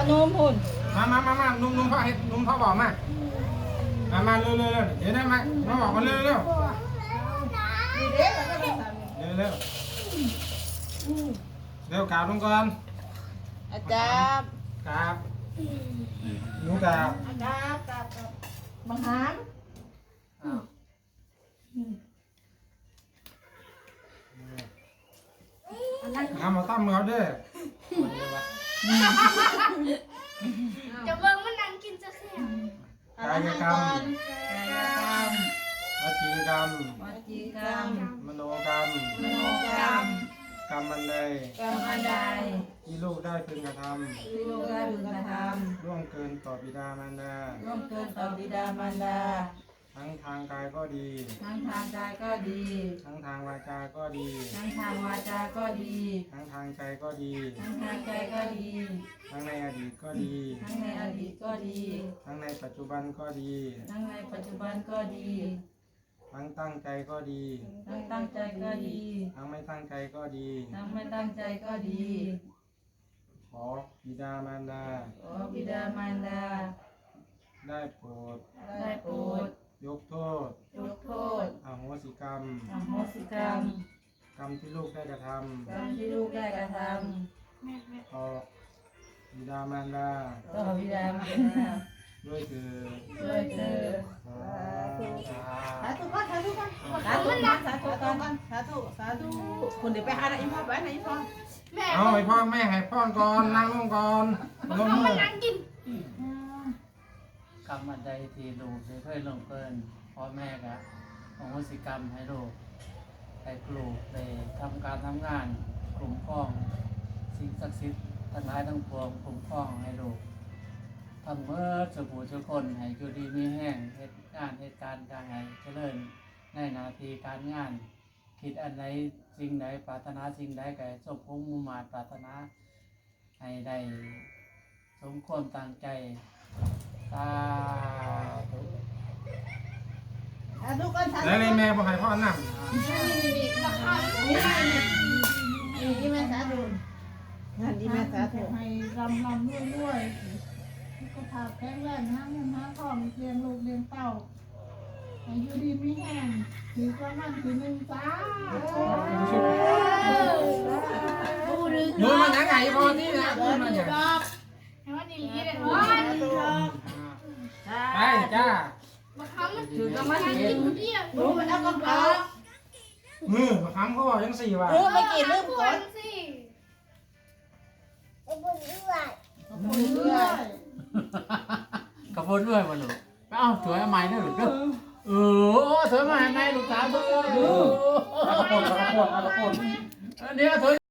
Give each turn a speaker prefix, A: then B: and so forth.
A: นุ่มหุ่น
B: มานุ่มพ่อเฮ็ดนุ่มพ่อบอกมาเร็วเดี๋ยวได้มาบอกมาเร็วเร็วกราบลงก่อน
A: อาจารย์
B: กราบหนูกราบ
A: บังหาร
B: มาตั้มเขาเด้อ
C: จะเบิ่งมันนั่งกินจะเสีย
B: กายกรรมวจีกรรมมโนกรรมกรรมอันใดที่ลูกได้พึงกระทำล่วงเกินต่อบิดามารดาทั้งทางกายก็ดีทั้งทางวาจาก็ดีทั้งทางใจก็ดีทั้งในอดีตก็ดีทั้งในปัจจุบันก็ดีทั้งตั้งใจก็ดีทั้งไม่ตั้งใจก็ดีขอบิดามารดาได้โปรดยกโทษอโหสิกรรมกรรมที่ลูกได้กระทำต่อบิดามารดาด้วยเถิด
A: สาธุคนเดี๋ยวไปหาอีพ่อไปไหนอีพ่อ
B: เอาไอ้พ่อแม่ให้พ่อก่อนนั่งลงก่อนลงมือ
D: กรรมอันใดที่ลูกได้เคยลงเกินพ่อแม่ก็อโหสิกรรมให้ลูกให้ลูกได้ทำการทำงานคุ้มครองสิ่งศักดิ์สิทธิ์ทั้งหลายทั้งปวงคุ้มครองให้ลูกทำเมื่อสุขทุกคนให้อยู่ดีมีแห้งเหตุงานเหตุการณ์การให้เจริญในหน้าที่การงานคิดอันใดสิ่งใดปรารถนาสิ่งใดก็สมพงษ์มุ่งมั่นปรารถนาให้ได้สมความตั้งใจสาธุ
B: แล้วเลยแม่บอกให้พ่อนั่ง
A: นี่แม่สาธุงานดีแม่สาธุ
E: ให้รำรวยก็พาแข็งแรงนะเงินทองเลี้ยงลูกเลี้ยงเต้าให้อยู่ดีมีแห้งถือประมาณถือ1จ้า
B: ดูมันยังไงพ่อที่นะดูมันยัง
C: ให้มันดีๆเลย
B: ไปจ้า
A: ถือประมาณนี้รู้มันเอากำลัง
B: มือมาค้ำเขาบอกยัง4 ว่ะ
A: ไม่กี่ลืมก่อน
D: กระโปรงด้วยมาลูกเอ้าสวยใหม่ด้วยลูกสวยใหม่ลูกสาวเบอร์
B: กระโปรง
D: เดี๋ยวสวย